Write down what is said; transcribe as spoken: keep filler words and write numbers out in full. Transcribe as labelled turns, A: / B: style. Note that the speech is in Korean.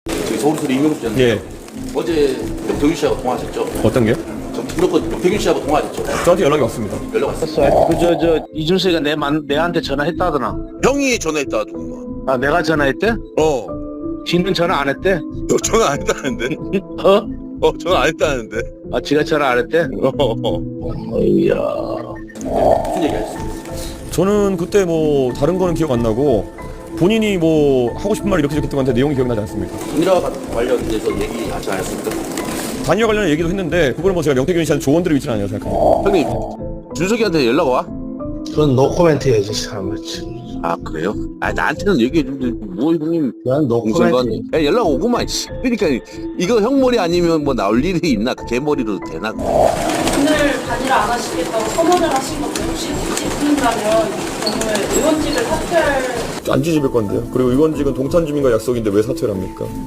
A: 저기 서울소리 이명수 전
B: 예.
A: 어제 명태균 씨하고 통화하셨죠?
B: 어떤 게?
A: 저 무조건 명태균 씨하고 통화하셨죠?
B: 저한테 연락이 왔습니다.
A: 연락 왔어요.
C: 그저 저 이준석이가 내 만, 내한테 전화했다더나.
D: 형이 전화했다 누군가.
C: 아 내가 전화했대?
D: 어.
C: 지는 전화 안 했대?
D: 너 전화 안 했다는데?
C: 어?
D: 어 전화 안 했다는데?
C: 아 지가 전화 안 했대?
D: 어.
C: 어이야.
A: 무슨 얘기 하셨어요?
B: 저는 그때 뭐 다른 거는 기억 안 나고 본인이 뭐 하고 싶은 말 이렇게 적혔던 건데 내용이 기억나지 않습니다.
A: 단일화 관련돼서 얘기하지 않았습니까?
B: 단일화 관련 얘기도 했는데 그걸 뭐 제가 명태균 씨한테 조언드리고 있지는 않아요 생각합니다.
D: 형님 준석이한테 연락 와?
C: 그건 노코멘트 해야지 사람을.
D: 아 그래요? 아 나한테는 얘기해 주는데 뭐 형님
C: 난 노코멘트.
D: 공선관 야 연락 오구만 씨. 그러니까 이거 형 머리 아니면 뭐 나올 일이 있나? 걔 머리로 되나?
E: 오늘 단일화 안 하시겠다고 선언을 하신 건데 혹시 뒤집는다면 오늘 의원직을 사퇴할
B: 안 뒤집을 건데요. 그리고 의원직은 동탄 주민과 약속인데 왜 사퇴를 합니까?